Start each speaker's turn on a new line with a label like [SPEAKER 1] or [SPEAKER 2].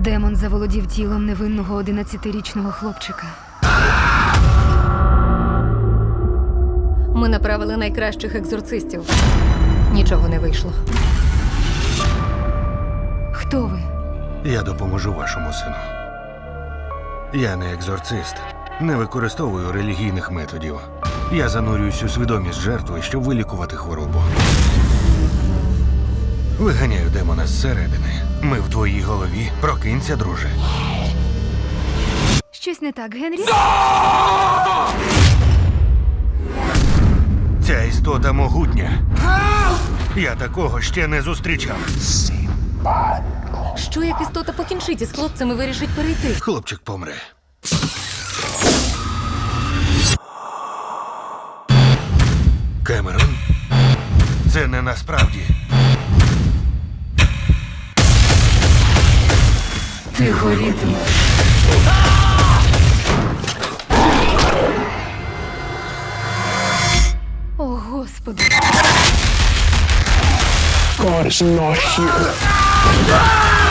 [SPEAKER 1] Демон заволодів тілом невинного 11-річного хлопчика.
[SPEAKER 2] Ми направили найкращих екзорцистів. Нічого не вийшло.
[SPEAKER 1] Хто ви?
[SPEAKER 3] Я допоможу вашому сину. Я не екзорцист, не використовую релігійних методів. Я занурююсь у свідомість жертви, щоб вилікувати хворобу. Виганяю демона зсередини. Ми в твоїй голові. Прокинься, друже.
[SPEAKER 1] Щось не так, Генрі?
[SPEAKER 3] Ця істота могутня. Я такого ще не зустрічав.
[SPEAKER 2] Що як істота покінчить із хлопцем і вирішить перейти?
[SPEAKER 3] Хлопчик помре. Кемерон? Це не насправді.
[SPEAKER 1] Ти горітимеш. О, Господи.
[SPEAKER 4] God is not here.